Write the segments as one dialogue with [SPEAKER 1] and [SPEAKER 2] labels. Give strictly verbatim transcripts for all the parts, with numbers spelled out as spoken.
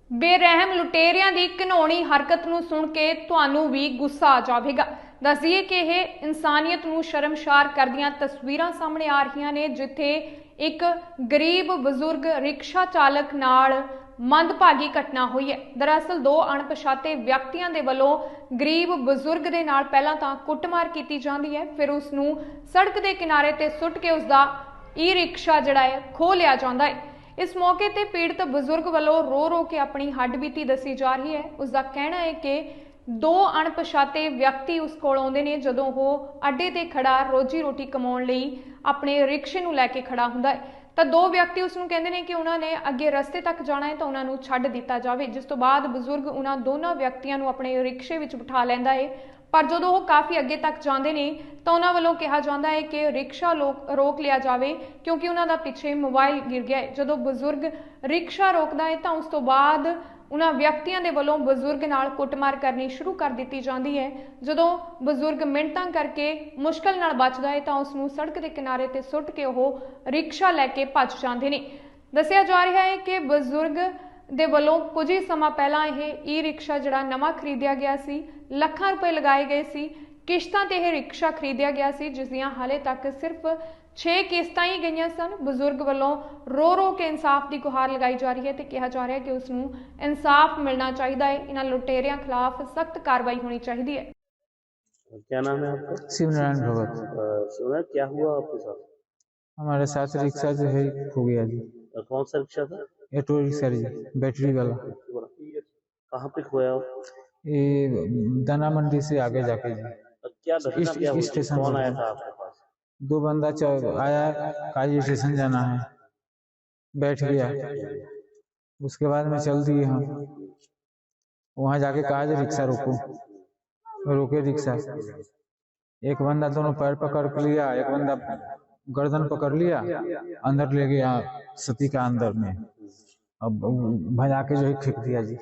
[SPEAKER 1] बेरहम लुटेरियां दी घिनौनी हरकत नूं सुण के तुहानूं भी गुस्सा आ जावेगा। दस दईए कि यह इंसानियत नूं शर्मसार करदियां तस्वीरां सामने आ रही ने, जिथे एक गरीब बजुर्ग रिक्शा चालक नाल मंदभागी घटना हुई है। दरअसल दो अणपछाते व्यक्तियों के वलों गरीब बजुर्ग दे नाल पहलां तां कुੱਟਮਾਰ की जाती है, फिर उसनूं सड़क के किनारे ते सुट के उसका ई रिक्शा जिहड़ा है खो लिया जाता है। इस मौके ते पीड़ित बजुर्ग वालों रो रो के अपनी हड्डबीती दसी जा रही है। उसका कहना है कि दो अणपछाते व्यक्ति उस कोल आउंदे ने जदों वो अड्डे ते खड़ा रोजी रोटी कमाउण लई अपने रिक्शे नूं लैके खड़ा हुंदा है, ਤਾਂ दो व्यक्ति उसनूं कहंदे ने कि उन्होंने अगे रस्ते तक जाना है तो उन्होंने छड्ड दिता जाए, जिस तो बाद बजुर्ग उन्होंने दोनों व्यक्तियों को अपने रिक्शे विच बिठा लैंदा है। पर जो वो काफ़ी अगे तक जाते हैं तो उन्होंने वालों कहा जाता है कि रिक्शा लोक रोक लिया जाए, क्योंकि उन्होंने पिछे मोबाइल गिर गया है। जो बजुर्ग रिक्शा रोकता है तो उस तो बाद उन्होंने व्यक्तियों के वलों बजुर्ग नाल कुੱਟਮਾਰ करनी शुरू कर दी जाती है। जो बजुर्ग मिन्नतां करके मुश्किल नाल बचदा है तो उसनूं सड़क के किनारे ते सुट के वह रिक्शा लैके भज जाते हैं। दस्सिया जा रहा है कि बजुर्ग दे वलों कुछ ही समा पहला यह ई रिक्शा जिहड़ा नवां खरीदिया गया सी, लखां रुपए लगाए गए सी, किश्तां ते यह रिक्शा खरीदिया गया सी, जिस दियां हाले तक सिर्फ छे किस्तां ही गईयां सन। बजुर्ग वालों रो रो के इंसाफ की गुहार लगाई जा रही है तो कहा जा रहा है कि उसनूं इंसाफ मिलना चाहिए है। इन्हां लुटेरियां खिलाफ सख्त कार्रवाई होनी चाहिए है।
[SPEAKER 2] क्या नाम है आपका?
[SPEAKER 3] शिवनारायण भगत।
[SPEAKER 2] शिवनारायण, क्या हुआ आपके साथ?
[SPEAKER 3] हमारे साथ रिक्शा जो है खो गया जी।
[SPEAKER 2] कौन सा रिक्शा था?
[SPEAKER 3] ऑटो रिक्शा जी, बैटरी वाला।
[SPEAKER 2] कहाँ पे खोया?
[SPEAKER 3] ये दाना मंडी से आगे जाके जी।
[SPEAKER 2] क्या घटना क्या हुई?
[SPEAKER 3] स्टेशन
[SPEAKER 2] कौन आया था आपके पास?
[SPEAKER 3] दो बंदा आया, काजी स्टेशन जाना है, बैठ गया। उसके बाद में चल दिए हम, वहाँ जाके कहा रिक्शा रोको, रोके रिक्शा। एक बंदा दोनों पैर पकड़ लिया, एक बंदा गर्दन पकड़ लिया, अंदर ले गया सती का अंदर में, अब भजा के जो है फेंक दिया जी।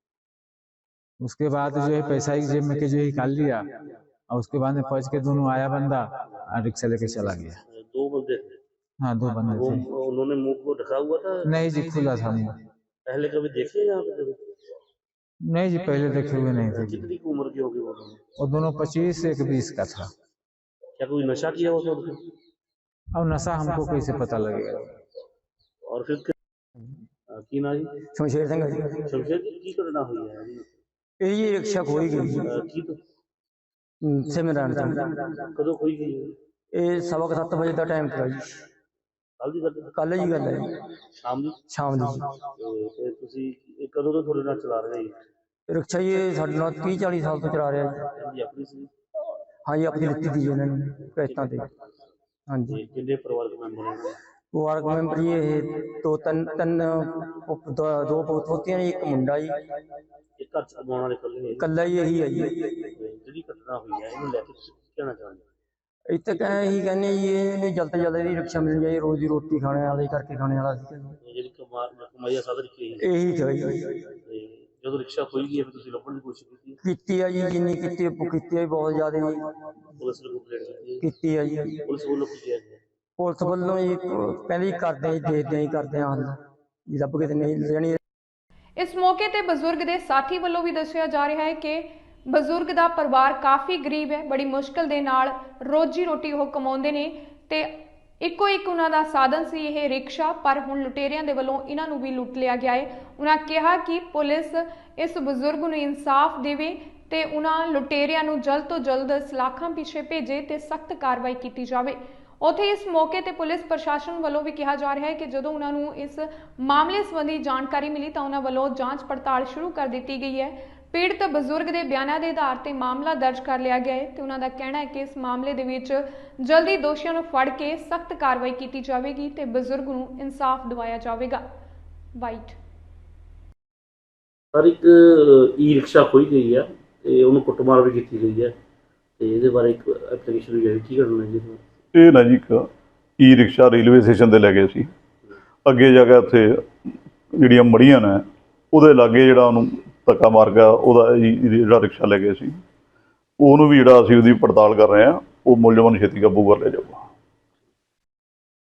[SPEAKER 3] उसके बाद जो है पैसा ही जेब में के जो है निकाल लिया, और उसके बाद में पहुंच के दोनों आया बंदा और रिक्शा लेके चला गया।
[SPEAKER 2] दो बंदे थे?
[SPEAKER 3] हाँ, दो बंदे थे।
[SPEAKER 2] उन्होंने मुंह को ढका हुआ था?
[SPEAKER 3] नहीं जी, खुला था मुंह।
[SPEAKER 2] पहले कभी देखे यहाँ पे कभी?
[SPEAKER 3] नहीं जी, पहले देखे हुए नहीं थे।
[SPEAKER 2] कितनी उम्र की होगी वो?
[SPEAKER 3] वो दोनों पच्चीस एक बीस का था।
[SPEAKER 2] क्या कोई नशा किया हो?
[SPEAKER 3] अब नशा हमको कैसे पता लगेगा?
[SPEAKER 2] और फिर की ना जी?
[SPEAKER 4] शमशेर सिंह जी।
[SPEAKER 2] शमशेर जी की घटना हुई है?
[SPEAKER 4] ये रिक्शा खोई गई
[SPEAKER 2] की तो
[SPEAKER 4] सिमरन
[SPEAKER 2] कदों खोई गई?
[SPEAKER 4] ये सवा क सत्त बजे का टाइम था जी।
[SPEAKER 2] ਕੱਲ ਦੀ ਗੱਲ?
[SPEAKER 4] ਕੱਲ ਜੀ ਗੱਲ ਹੈ
[SPEAKER 2] ਸ਼ਾਮ ਦੀ?
[SPEAKER 4] ਸ਼ਾਮ ਦੀ।
[SPEAKER 2] ਤੇ ਤੁਸੀਂ ਇਹ ਕਦੋਂ ਤੋਂ ਤੁਹਾਡੇ ਨਾਲ ਚਲਾ ਰਹੇ ਜੀ
[SPEAKER 4] ਰਿਕਸ਼ਾ? ਇਹ ਸਾਡੇ ਨਾਲ तीस चालीस ਸਾਲ ਤੋਂ ਚਲਾ ਰਿਹਾ ਜੀ।
[SPEAKER 2] ਆਪਣੀ ਸੀ?
[SPEAKER 4] हाँ जी, अपनी लिखी थी ਇਹਨਾਂ ਨੇ ਕਿਸ਼ਤਾਂ ਤੇ। हाँ जी।
[SPEAKER 2] ਕਿੰਨੇ ਪਰਿਵਾਰਕ ਮੈਂਬਰ ਨੇ?
[SPEAKER 4] ਪਰਿਵਾਰਕ ਮੈਂਬਰ ਜੀ ਇਹ ਦੋ ਤਿੰਨ ਤਿੰਨ ਦੋ ਪੋਤੀਆਂ ਜੀ, ਇੱਕ ਮੁੰਡਾ ਜੀ।
[SPEAKER 2] ਇੱਕ ਘਰ ਚ ਕਮਾਉਣ ਵਾਲੇ ਇਕੱਲੇ?
[SPEAKER 4] ਇਕੱਲਾ ਹੀ ਇਹੀ ਹੈ ਜੀ।
[SPEAKER 2] ਜਿਹੜੀ ਘਟਨਾ ਹੋਈ ਹੈ ਇਹਨੂੰ ਲੈ ਕੇ ਤੁਸੀਂ ਕੀ ਕਹਿਣਾ ਚਾਹੁੰਦੇ?
[SPEAKER 4] ਇੱਥੇ ਕਹੇ ਇਹੀ ਕਹਿੰਦੇ ਜੀ, ਇਹਨੇ ਜਲਦ ਤੋਂ ਜਲਦ ਇਹਦੀ ਰਿਕਸ਼ਾ ਮਿਲ ਜਾਏ, ਰੋਜ਼ੀ ਰੋਟੀ ਖਾਣੇ ਵਾਲੇ ਕਰਕੇ ਖਾਣੇ ਵਾਲਾ ਸੀ
[SPEAKER 2] ਜਿਹੜੀ ਕਮਾਈ ਦਾ ਸਾਧਨ ਕੀ ਹੈ?
[SPEAKER 4] ਇਹੀ ਚਾਹੀਦਾ।
[SPEAKER 2] ਜਦੋਂ ਰਿਕਸ਼ਾ ਖੋਈ ਗਈ ਫਿਰ ਤੁਸੀਂ ਲੱਭਣ ਦੀ ਕੋਸ਼ਿਸ਼ ਕੀਤੀ?
[SPEAKER 4] ਕੀਤੀ ਆ ਜੀ, ਜਿੰਨੀ ਕੀਤੀ ਕੀਤੀ ਆ ਬਹੁਤ ਜ਼ਿਆਦਾ ਜੀ।
[SPEAKER 2] ਪੁਲਿਸ ਨੂੰ ਕੰਪਲੇਂਟ
[SPEAKER 4] ਕੀਤੀ ਆ ਜੀ।
[SPEAKER 2] ਪੁਲਿਸ ਵੱਲੋਂ ਕੀ ਕਿਹਾ ਗਿਆ?
[SPEAKER 4] ਪੁਲਿਸ ਵੱਲੋਂ ਜੀ ਕਹਿੰਦੇ ਕਰਦੇ ਜੀ, ਦੇਖਦੇ ਜੀ, ਕਰਦੇ ਹਾਂ ਹੱਲ ਜੀ, ਲੱਭ ਕੇ ਤੇ ਨਹੀਂ ਲੈਣੀ।
[SPEAKER 1] इस मौके ते बजुर्ग के साथी वालों भी दस्सिया जा रहा है कि बजुर्ग का परिवार काफ़ी गरीब है, बड़ी मुश्किल दे नाल रोजी रोटी वो कमाउंदे ने ते इको एक उन्हां दा साधन सी यह रिक्शा, पर हुण लुटेरियां दे वलों इन्हां नूं भी लुट लिया गया है। उन्हां कहा कि पुलिस इस बजुर्ग नूं इंसाफ देवे ते उन्हां लुटेरियां नूं जल्द तो जल्द सलाखां पिछे भेजे ते सख्त कार्रवाई की जावे। उत्थे इस मौके ते पुलिस प्रशासन वालों भी कहा जा रहा है कि जदों उन्होंने इस मामले संबंधी जानकारी मिली तो उन्होंने वालों जांच पड़ताल शुरू कर दी गई है। पीड़ित बजुर्ग के बयानों के आधार पर मामला दर्ज कर लिया गया है तो उन्होंने कहना है कि इस मामले दे विच जल्दी दोषियों को फड़ के सख्त कार्रवाई की जाएगी तो बजुर्ग को इंसाफ दिवाया जाएगा। वाइट
[SPEAKER 2] सर, एक ई रिक्शा खोई गई है तो उन्होंने कुੱਟਮਾਰ भी की गई है, तो ये बारे एक एप्लीकेशन भी की करना जी?
[SPEAKER 5] ਇਹ ਨਾ ਜੀ ਇੱਕ ਈ ਰਿਕਸ਼ਾ ਰੇਲਵੇ ਸਟੇਸ਼ਨ 'ਤੇ ਲੈ ਗਏ ਸੀ। ਅੱਗੇ ਜਾ ਕੇ ਉੱਥੇ ਜਿਹੜੀਆਂ ਮੜੀਆਂ ਨੇ ਉਹਦੇ ਲਾਗੇ ਜਿਹੜਾ ਉਹਨੂੰ ਧੱਕਾ ਮਾਰ ਗਿਆ, ਉਹਦਾ ਜੀ ਜਿਹੜਾ ਰਿਕਸ਼ਾ ਲੈ ਗਏ ਸੀ ਉਹਨੂੰ ਵੀ ਜਿਹੜਾ ਅਸੀਂ ਉਹਦੀ ਪੜਤਾਲ ਕਰ ਰਹੇ ਹਾਂ, ਉਹ ਮੁਲਜ਼ਮਾਂ ਨੂੰ ਛੇਤੀ ਕਾਬੂ ਕਰ ਲਿਆ ਜਾਊਗਾ।